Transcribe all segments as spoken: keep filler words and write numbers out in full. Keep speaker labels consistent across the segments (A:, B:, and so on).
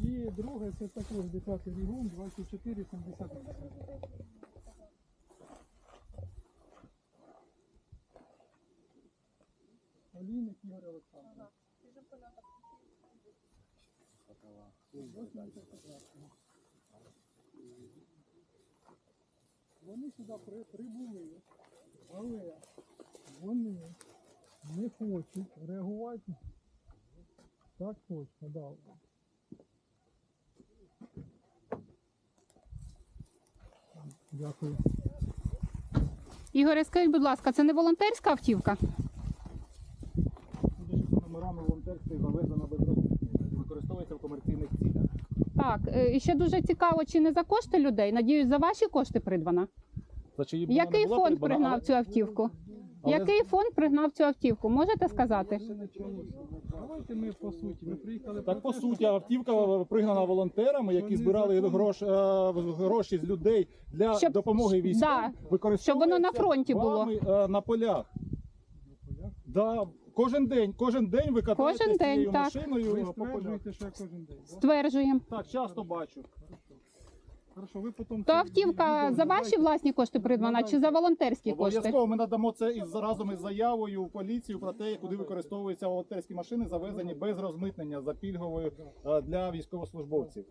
A: І друге, це також десятий регіон, двадцять чотири сімдесят вісім. Олійник Ігор Олександрович. Вони сюди при, прибули, але вони не хочуть реагувати. Так точно, да. Дякую.
B: Ігоре, скажіть, будь ласка, це не волонтерська автівка?
C: Судячи за номерами волонтерської завезена без розмитнення, використовується в комерційних цілях.
B: Так, е, і ще дуже цікаво, чи не за кошти людей? Надіюсь, за ваші кошти придбана?
C: За чиї б вона
B: Який
C: не була
B: фонд
C: придбана,
B: пригнав
C: але-
B: цю автівку?
C: але-
B: Який фонд пригнав цю автівку? Можете сказати?
A: Давайте ми по суті. Ми приїхали
C: Так, по
A: те,
C: суті,
A: що-
C: автівка пригнана волонтерами, які
A: Вони
C: збирали
A: законні.
C: грош, е, гроші з людей для
B: Щоб-
C: допомоги військовим.
B: да,
C: Використовується
B: щоб воно на фронті було.
C: вами, е, на полях. Да, кожен день, кожен день ви катаєтесь
B: Кожен день,
C: цією
B: так.
C: машиною
A: Ви
C: по полях.
A: стверджуєте, що я кожен день. Да?
B: Стверджуємо.
C: Так, часто бачу.
A: Хорошо, ви потім...
B: То
A: це
B: автівка
A: відео
B: за ваші
A: надайте.
B: власні кошти придбана чи за волонтерські кошти?
C: Обов'язково ми надамо це із разом із заявою в поліцію про те, куди використовуються волонтерські машини, завезені без розмитнення за пільговою е, для військовослужбовців.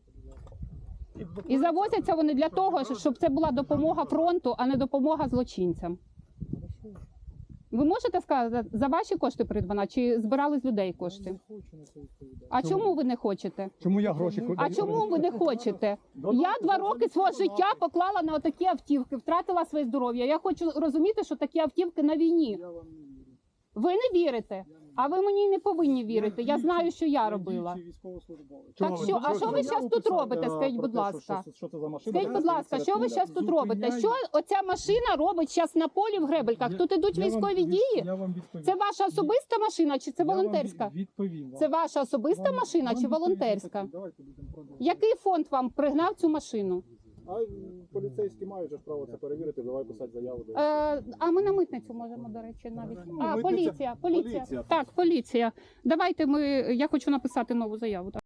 B: І завозяться вони для того, щоб це була допомога фронту, а не допомога злочинцям. Ви можете сказати, за ваші кошти придбана чи збирали з людей
A: Я
B: кошти?
A: не хочу на це відповідати.
B: А чому ви не хочете?
D: Чому я гроші
B: А чому ви не хочете? Я два роки свого життя поклала на отакі автівки, втратила своє здоров'я. Я хочу розуміти, що такі автівки на війні.
A: Я вам не вірю.
B: Ви не вірите, а ви мені не повинні вірити. Я знаю, що я робила.
A: діючий військовослужбовець.
B: Так що, а що ви зараз тут робите? Скажіть, будь ласка.
C: Що, що це за машина?
B: Скажіть, будь ласка, що ви зараз тут робите? Що оця машина робить зараз на полі в Гребельках?
A: Я-
B: Тут ідуть
A: я вам
B: військові
A: від-
B: дії?
A: Я вам відповім.
B: Це ваша особиста машина чи це
A: Я вам
B: волонтерська?
A: від- Відповім вам.
B: Це ваша особиста
A: Вам-
B: машина
A: вам
B: чи
A: відповідь
B: волонтерська?
A: таку. Давайте будемо продовжувати.
B: Який фонд вам пригнав цю машину?
C: А поліцейські мають же ж право це перевірити, давай писати заяву.
B: Е, а ми на митницю можемо, до речі, навіть.
C: Ну,
B: А,
C: митниця-
B: поліція, поліція.
C: поліція.
B: Так, поліція. Давайте ми, я хочу написати нову заяву. Так.